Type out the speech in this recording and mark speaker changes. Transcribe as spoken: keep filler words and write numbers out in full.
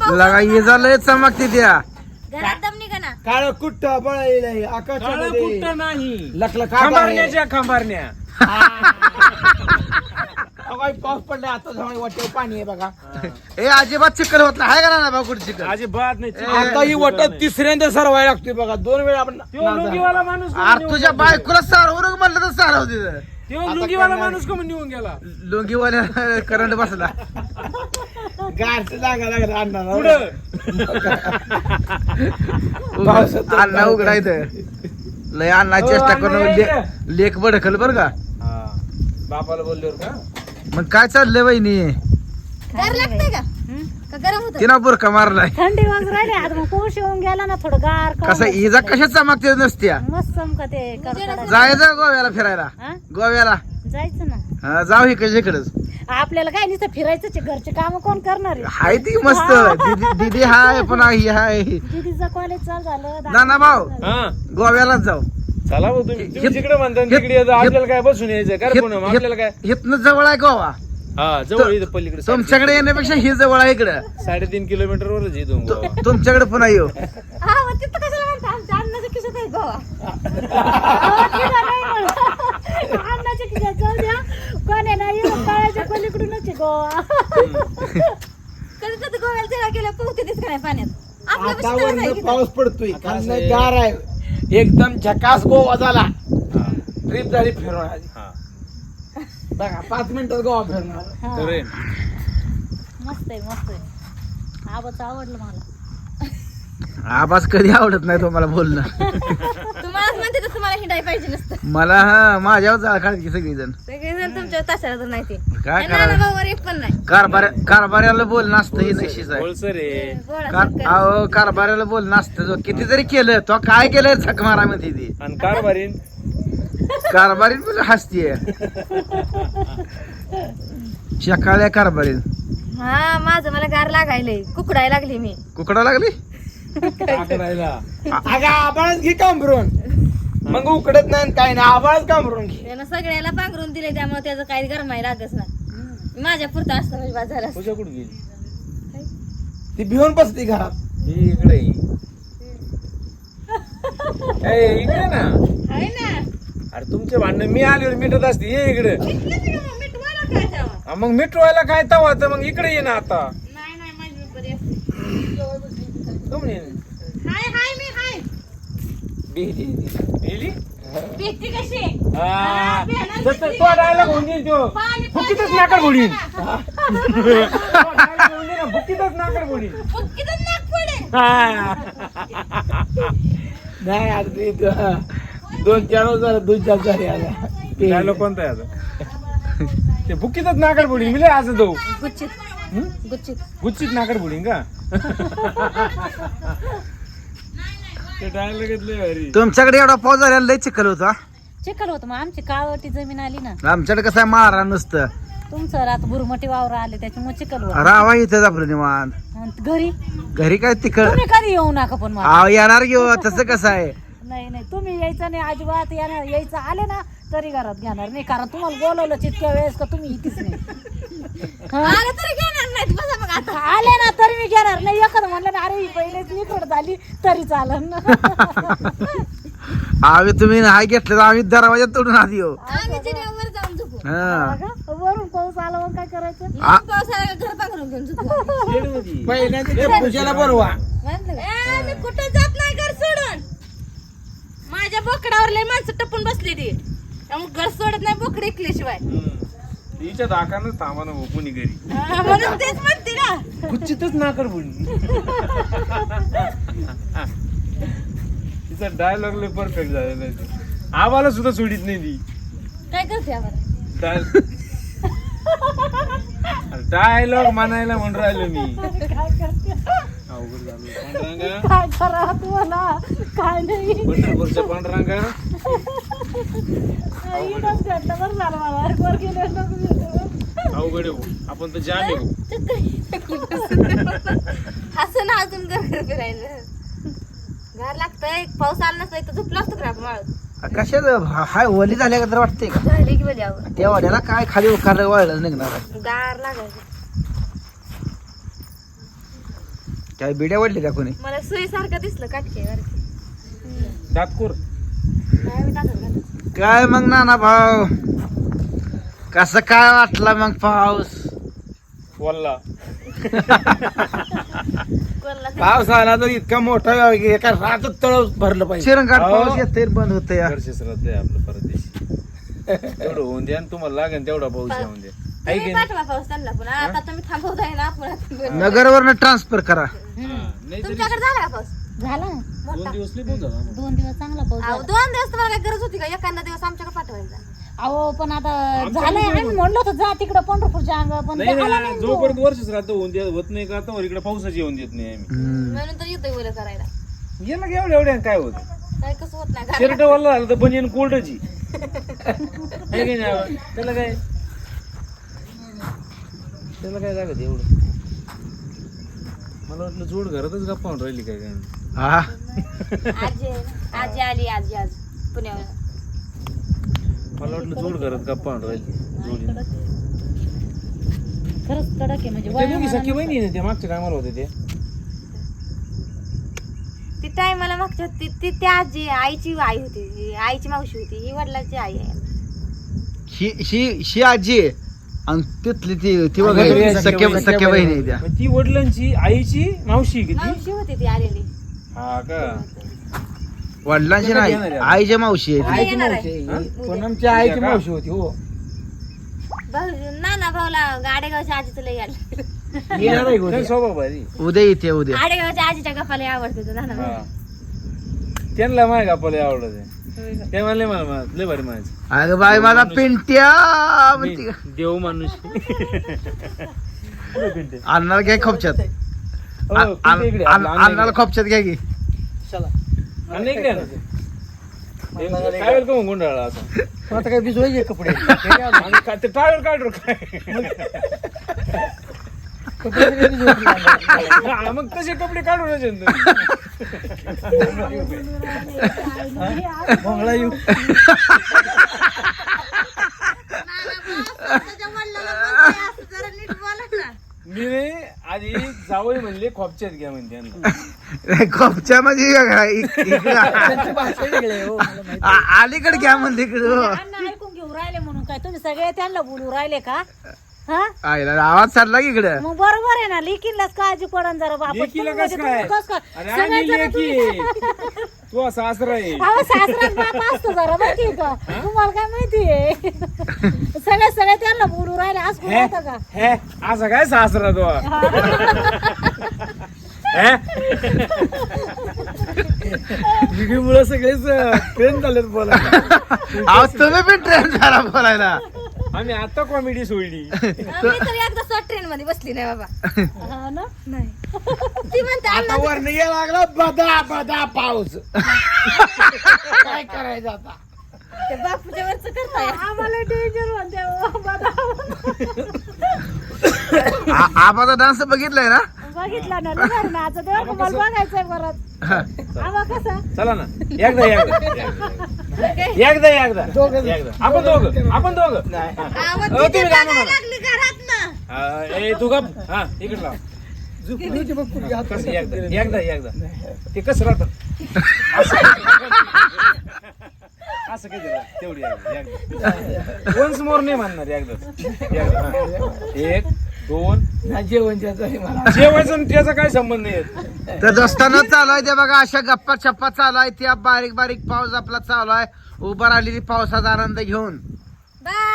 Speaker 1: लगा ये झालंय चमकते त्या
Speaker 2: घरात दम निघा ना.
Speaker 3: काळ कुट्ट बळलेलं आकाशामध्ये
Speaker 4: कुठं नाही
Speaker 3: लखलख
Speaker 4: खंबारण्याच्या खंबारण्या
Speaker 3: पाऊस पडला आता जवळ वाटेवर पाणी आहे बघा.
Speaker 1: ए अजिबात चिकन होत नाही हाय का ना भाऊ कुठे चिकन
Speaker 4: अजिबात नाही
Speaker 3: आता ही वाटत तिसऱ्यांदा सरवायला लागतोय बघा. दोन वेळा आपण
Speaker 4: त्यो लुंगीवाला माणूस कोण
Speaker 1: अरे
Speaker 4: निघून
Speaker 1: तुझ्या
Speaker 4: गेला?
Speaker 1: बायकोला सारवर म्हणलं तर सारव तिथं
Speaker 4: त्यो लुंगीवाला माणूस कोण निघून गेला
Speaker 1: लुंगीवाल्या करंट बसला
Speaker 3: गारचं जागा लागला अण्णाला.
Speaker 4: पुढं
Speaker 3: पावसात
Speaker 1: अण्णा उघडायचं लय अण्णा
Speaker 4: हो,
Speaker 1: चेष्टा
Speaker 4: अण्णा
Speaker 1: करून
Speaker 4: यायचं.
Speaker 1: ले- लेक बडकल बर का.
Speaker 4: बापाला बोलल्यावर का
Speaker 1: मग काय चाललंय वहिनी
Speaker 2: गार लागतंय का का गरम होतं?
Speaker 1: तिनं बुरका मारलाय
Speaker 5: थंडी वाज राहिली आता मग पाऊस येऊन गेला ना थोडं गार का
Speaker 1: कसं इजा कशा चमकते नसत्या
Speaker 5: मस्त चमका ते कडकडा.
Speaker 1: जायचं गोव्याला फिरायला
Speaker 5: हा?
Speaker 1: गोव्याला
Speaker 5: जायचं ना
Speaker 1: हा, जाऊ इकडे इकडच
Speaker 5: आपल्याला काय नुसतं फिरायचंच आहे. घरचे काम कोण करणार आहे?
Speaker 1: हाय ती मस्त दीदी दीदी हाय पण ही हाय
Speaker 5: दीदीचं कॉलेज चालू झालं
Speaker 1: नाना भाऊ
Speaker 4: हा
Speaker 1: गोव्यालाच जाऊ
Speaker 4: चला भाऊ तुम्ही तुम्ही
Speaker 1: हित-
Speaker 4: जिकडे म्हणता
Speaker 1: हित-
Speaker 4: तिकडे यायचं.
Speaker 1: हित-
Speaker 4: आपल्याला काय बसून यायचं काय पुन्हा मग आपल्याला काय
Speaker 1: इथनं जवळ आहे गोवा
Speaker 4: हा जवळ इथं पलीकडे
Speaker 1: तुमच्याकडे येण्यापेक्षा ही जवळ आहे इकडं
Speaker 4: साडेतीन किलोमीटर वरच इथून गोवा.
Speaker 1: तु- तुमच्याकडे पुन्हा येऊ
Speaker 2: हा मग तिथं कशाला म्हणता आमच्या अन्नाच्या खिशात आहे गोवा.
Speaker 5: अन्नाच्या खिशात जाऊ द्या कोण आहे ना येऊन तळ्याच्या पलीकडूनच आहे गोवा.
Speaker 2: कधी कधी गोव्याला जेव्हा गेलं पोहते दिसत नाही पाण्यात. आपल्या
Speaker 3: आता
Speaker 2: पाशी तळच आहे
Speaker 3: वरनं
Speaker 2: की
Speaker 3: पाऊस पडतोय
Speaker 4: आता
Speaker 3: खालनं
Speaker 4: असं आहे.
Speaker 3: गार आहे एकदम झकास गोवा झाला. ट्रिप झाली फिरून आली.
Speaker 4: हा.
Speaker 3: बघा पाच मिनिटात गोवा फिरणार.
Speaker 5: हा.
Speaker 4: खरंय.
Speaker 5: मस्त आहे मस्त आहे. आबाच आवडलं मला.
Speaker 1: आवाज कधी आवडत नाही तुम्हाला बोलणं
Speaker 2: तुम्हालाच म्हणते तर तुम्हाला हिंडाय पाहिजे नसतं.
Speaker 1: मला हा माझ्यावर जाळ काढते सगळीजण
Speaker 2: सगळेजण तुमच्या तासाला तर नाही ते.
Speaker 1: काय
Speaker 2: आणि
Speaker 1: करायचं?
Speaker 2: नाना भाऊवर एक पण नाही.
Speaker 1: कारभार कारभाऱ्याला बोलणं असतं हे नशीच आहे
Speaker 4: बोलसर आहे
Speaker 2: गोळा
Speaker 1: कार
Speaker 2: सरकार.
Speaker 1: अहो कारभाऱ्याला बोलणं असतं जो किती जरी केलं तो काय केलंय झक मारा म्हणते ती
Speaker 4: आणि कारभारीन
Speaker 1: कारभारी पण हसतीये शकाळ्या कारभारी
Speaker 2: हा माझं मला गार लागायलंय कुकडाय लागली मी.
Speaker 1: कुकडा लागली
Speaker 4: आकडायला
Speaker 3: अगं आबाळच घे कांबरून मग उकडत नाही आणि काय नाही आबाळच कांबरून घे.
Speaker 2: त्यानं सगळ्याला पांघरून दिले त्यामुळे त्याचं काही गरमाई लागच नाही. माझ्या पुरतं असतं म्हणजे बाद झालं असतं.
Speaker 4: तुझ्या कुठे गेली
Speaker 3: ती भिवून बसते घरात.
Speaker 4: ही इकडे ये. ए, इकडे ना
Speaker 2: आहे ना.
Speaker 4: अरे तुमचे भांडण मी आल्यावर मिटत असते ये इकडे
Speaker 2: घेतलं की मग मिटवायला काय तेव्हा?
Speaker 4: हा, मग मिटवायला काय तवा तर मग इकडे ये ना आता
Speaker 2: नाही नाही माझी मी बरी असते.
Speaker 4: तुम्ही
Speaker 2: हाय हाय मी हाय.
Speaker 4: गेली
Speaker 2: भेटती कशी?
Speaker 4: हा. तर- तर तो डायलॉग होऊन जाईल तो
Speaker 2: पाणी
Speaker 4: फुकीतच नाकर बोलीन फुकीतच नाकर बोलीन
Speaker 2: फुटकीतच नाक पडे.
Speaker 3: नाही आता ते द- दोन चार वर्ष झालं दोन चार झाले आता. ते-
Speaker 4: डायलॉग कोणता आहे आता ते फुकीतच नाकर बोलीन मी लय असं जाऊ
Speaker 2: गुच्छित
Speaker 4: हं?
Speaker 2: गुच्छित.
Speaker 4: गुच्चीत नाकर बोलीन का ते डायलॉग घेतले भारी
Speaker 1: तुमच्याकडे एवढा पाऊस झाला लय चिखल होता
Speaker 5: चिखल होतं मग आमची काळवटी जमीन आली ना.
Speaker 1: आमच्याकडे कसं आहे मारा नुसतं
Speaker 5: तुमचं रात बुरमटी वावर आले त्याच्यामुळे चिखल होत.
Speaker 1: रावा इथं आपलं निवांत
Speaker 5: आणि घरी
Speaker 1: घरी काय तिखट
Speaker 5: तुम्ही कधी येऊ नका पण मला.
Speaker 1: आव येणार घेऊ तसं कसं आहे
Speaker 5: नाही नाही तुम्ही यायचं नाही अजिबात येणार यायचं आले ना तरी घरात घेणार नाही कारण तुम्हाला बोलवलं तितक्या वेळेस का तुम्ही इथेच नाही. हा?
Speaker 2: आलं तरी घेणार नाही बसा मग आता.
Speaker 5: आले ना तरी मी घेणार नाही एखादं म्हणलं ना अरे ही पहिलेच मी थोडं झाली तरी चालन.
Speaker 1: आम्ही तुम्ही नाही घेतलं तर आम्ही दरवाजा तोडून आधी येऊ
Speaker 2: आम्ही जिन्यावर जाऊन झोपू.
Speaker 1: हा
Speaker 5: वरून पाऊस आला मग काय करायचं.
Speaker 1: आ-
Speaker 2: मग पावसाळ्याला घर पांघरून घेऊन झोपू.
Speaker 3: पहिल्यांदा त्या पूजाला बरवा.
Speaker 2: ए, मी कुठं जात नाही घर सोडून. माझ्या बोकडावर लय माणसं टपून बसली ती त्यामुळे घर सोडत नाही बोकड ऐकल्याशिवाय.
Speaker 4: तिच्या दाखानच थांबा ना भाऊ कोणी घरी
Speaker 2: हा, म्हणून तेच म्हणते ना.
Speaker 4: गुच्चीतच नाकर बोलीन तिचा डायलॉग लय परफेक्ट झालेला आहे ते. आम्हाला सुद्धा सोडित नाही ती
Speaker 2: काय करते आम्हाला?
Speaker 4: डायलॉग म्हणायला म्हणून राहिलो मी
Speaker 5: काय करते
Speaker 4: अवघड झालं पांडुरंगा
Speaker 5: काय करा तुम्हाला काय नाही.
Speaker 4: पंढरपूरच्या पांडुरंगा
Speaker 5: इथंच भेटलं बरं झालं मला वर गेले
Speaker 4: अवघड आहे भाऊ. आपण तर जाम आहे भाऊ.
Speaker 2: असं ना अजून घर घर फिरायला घर लागतंय. पाऊस आला नसता तर झोपला असतो का आपण वाळत.
Speaker 1: कशात हाय ओली झाल्या का तर वाटते का
Speaker 2: झाली की बजावर
Speaker 1: त्या वाड्याला काय खाली उकारलं वाळलं निघणार आहे
Speaker 2: गार लागायचं.
Speaker 1: काय बिड्या वाढली का कोणी
Speaker 2: मला सुई सारखं दिसलं काटके
Speaker 4: दातकोर
Speaker 1: काय मग नाना भाऊ कसं काय वाटला मग पाऊस
Speaker 4: वल्ला
Speaker 3: पाऊस आला तर इतका मोठा एका रातच तळ भरलं पाहिजे.
Speaker 1: चिरंगाट
Speaker 4: हो.
Speaker 1: पाऊस येते बंद होत या
Speaker 4: वर्ष श्राद्ध आहे आपलं परदेशी तेवढं होऊन द्या आणि तुम्हाला लागेल तेवढा पाऊस येऊन द्या आहे की नाही?
Speaker 2: पाठवा पाऊस त्यांना पण आता तुम्ही थांबवताय ना आपण
Speaker 1: नगरवरनं ट्रान्सफर करा
Speaker 4: हा, नाही तरी
Speaker 2: तुमच्याकडे झाला का पाऊस
Speaker 5: झाला ना
Speaker 4: दोन दिवस लई पाऊस झाला आम्हाला.
Speaker 5: दोन दिवस चांगला पाऊस
Speaker 2: अहो,
Speaker 5: झाला.
Speaker 2: दोन दिवस तुम्हाला काय गरज होती का एखादा दिवस आमच्याकडे पाठवायचा
Speaker 5: अहो पण आता झालंय आम्ही म्हणलो होतो जा तिकडं पंढरपूरच्या अंग पण
Speaker 4: नाही
Speaker 5: ते आला
Speaker 4: ना
Speaker 5: नाही तो.
Speaker 4: जोपर्यंत वर्ष श्राद्ध होऊन द्या होत नाही का तर इकडे पावसाची येऊन देत नाही आम्ही
Speaker 1: हम्म.
Speaker 2: म्हणून तर येतोय बोल करायला
Speaker 4: गेला की एवढ्या एवढ्या काय होत
Speaker 2: काय कसं होत नाही
Speaker 4: शर्ट वाला झालं तर बनियन कोल्डची आहे की नाही त्याला काय त्याला काय लागत एवढं मला वाटलं जोड घरातच गप्पा होऊन राहिली काय काय
Speaker 1: हा
Speaker 2: आजी आजी आली आजी आज पुण्यावर
Speaker 4: मला वाटलं जोड घरात गप्पा होऊन राहिली जोडी
Speaker 5: खरंच कडक आहे म्हणजे
Speaker 4: त्या दोघी
Speaker 5: वयामानाने-
Speaker 4: सख्खी बहिणी आहे ना, त्या मागच्या कामाला होते ते
Speaker 2: ती टायमाला मागच्या ती ती त्या आजी आईची आई होती ही आईची मावशी होती ही वडिलांची आई आहे
Speaker 1: ही ही ही आजी आहे आणि तिथली ती ती
Speaker 3: अगं,
Speaker 1: वगैरे
Speaker 3: सख्या
Speaker 1: सख्या
Speaker 3: बहिणी-
Speaker 1: सख्या बहिणी आहे त्या
Speaker 4: मग ती वडिलांची आईची मावशी किती
Speaker 2: मावशी होती ती आलेली
Speaker 4: हा का
Speaker 1: वडिलांची
Speaker 4: त्याला
Speaker 1: नाही
Speaker 4: घेणार आहे.
Speaker 1: आईच्या मावशी आहे ती.
Speaker 2: उद्या
Speaker 3: आईची
Speaker 2: येणार
Speaker 3: मावशी
Speaker 2: आहे.
Speaker 3: आहे.
Speaker 2: उद्या.
Speaker 3: पण आमच्या आईची
Speaker 4: उद्या का?
Speaker 3: मावशी होती हो
Speaker 2: भाऊ नाना भाऊला गाडेगावच्या आजीचं लय आलं
Speaker 3: येणार आहे का
Speaker 4: लय
Speaker 3: उद्या?
Speaker 4: स्वभाव भारी
Speaker 1: उद्या येते उद्या
Speaker 2: गाडेगावच्या आजीच्या गप्पाला आवडते नाना भाऊ
Speaker 4: हा त्यांना माय गप्पाला आवडत ते म्हणले मला मा- लय भारी म्हणायचं
Speaker 1: अगं बाई माझा पिंट्या म्हणते का?
Speaker 4: देव माणूस
Speaker 1: अन्नाला घ्या खोपच्यात
Speaker 4: हो,
Speaker 1: आ-
Speaker 4: पिंट्या इकडे,
Speaker 1: आण-
Speaker 4: आपलं अण्णा
Speaker 1: अन्नाला
Speaker 4: इकडे.
Speaker 1: खोपच्यात घ्या की
Speaker 4: अण्णा इकडे आहे ना. ते टावेल का मग गुंडाळा आता
Speaker 3: मग आता काय भिजवायचे कपडे
Speaker 4: आणि का- ते टावेल काढ रे काय
Speaker 3: कपडे सगळे भिजवायचे.
Speaker 4: हा, मग तसे कपडे काढून
Speaker 3: भोंगळा येऊ
Speaker 4: मी नाही आधी जावई म्हणले खोपच्यात घ्या म्हणते यांना.
Speaker 1: खोपच्या म्हणजे इक- इकडं
Speaker 3: त्यांची भाषा वेगळी आहे हो, मला माहिती.
Speaker 1: आ- अलीकडे घ्या म्हणते इकडे
Speaker 5: अण्णा ऐकून घेऊ राहिले म्हणून काय तुम्ही सगळे त्यांना बोलू राहिले का हा
Speaker 1: आईला आवाज चालला की इकडे
Speaker 5: मग बरोबर आहे ना लेकीलाच काळजी पडन जरा बाबा
Speaker 4: लेकीला
Speaker 5: तुम्ही
Speaker 4: कसं
Speaker 5: म्हणजे
Speaker 4: काय
Speaker 5: तुम्ही कसं काय?
Speaker 4: अरे
Speaker 5: सगळे
Speaker 4: आम्ही
Speaker 5: जण
Speaker 4: लेकी
Speaker 5: तुम्ही-
Speaker 4: तू असा सासरा आहे
Speaker 5: अहो सासरा बाप असतो जरा माहिती का तुम्हाला काय माहितीये सगळे सगळे त्यांना बोलू राहिले आज कोण
Speaker 4: हे?
Speaker 5: होतं का
Speaker 4: हे असं काय सासरा तो
Speaker 3: मुळे सगळेच ट्रेन झालेत बोला
Speaker 1: अहो तुम्ही पण ट्रेन झाला बोलायला
Speaker 4: आम्ही आता कॉमेडी सोडली
Speaker 2: मी तर एकदा स्वतः ट्रेन मध्ये बसली नाही बाबा
Speaker 5: हा ना
Speaker 2: नाही ती म्हणते
Speaker 3: आता
Speaker 2: अण्णा
Speaker 3: वर यायला लागला बदा बदा पाऊस काय करायचं आता
Speaker 2: ते बापूच्या वरच करताय
Speaker 5: आम्हाला डेंजर म्हणते ओ बाबा.
Speaker 1: आ- आबाचा डान्स बघितलाय ना
Speaker 5: बघितला ना निघाल ना आता तेव्हा तुम्हाला बघायचंय परत आवा कसा
Speaker 4: चला ना एकदा एकदा एकदा एकदा
Speaker 3: दोघं
Speaker 4: एकदा आपण दोघं आपण दोघं
Speaker 3: नाही
Speaker 2: आवाज
Speaker 4: अहो,
Speaker 2: तिथे
Speaker 4: तुम्ही काय
Speaker 2: बघायला
Speaker 4: म्हणा?
Speaker 2: लागली घरात ना
Speaker 4: हा, ए तू गप हा इकडे लाव
Speaker 3: झुकली बघ पुढे हात
Speaker 4: कसं एकदा एकदा एकदा ते कसं राहतं असं काही राहतं. तेवढी एकदा वन्स मोर नाही म्हणणार एकदा एकदा हा. एक दोन
Speaker 3: नाही जेवण त्याचं आहे मला
Speaker 4: जेवायचं आणि त्याचा काय संबंध नाही येत.
Speaker 1: तर दोस्तांना चालू आहे ते बघा अशा गप्पा छप्पा चालू आहे त्या बारीक बारीक पाऊस आपला चालू आहे उभा राहिलेली पावसाचा आनंद घेऊन
Speaker 2: बाय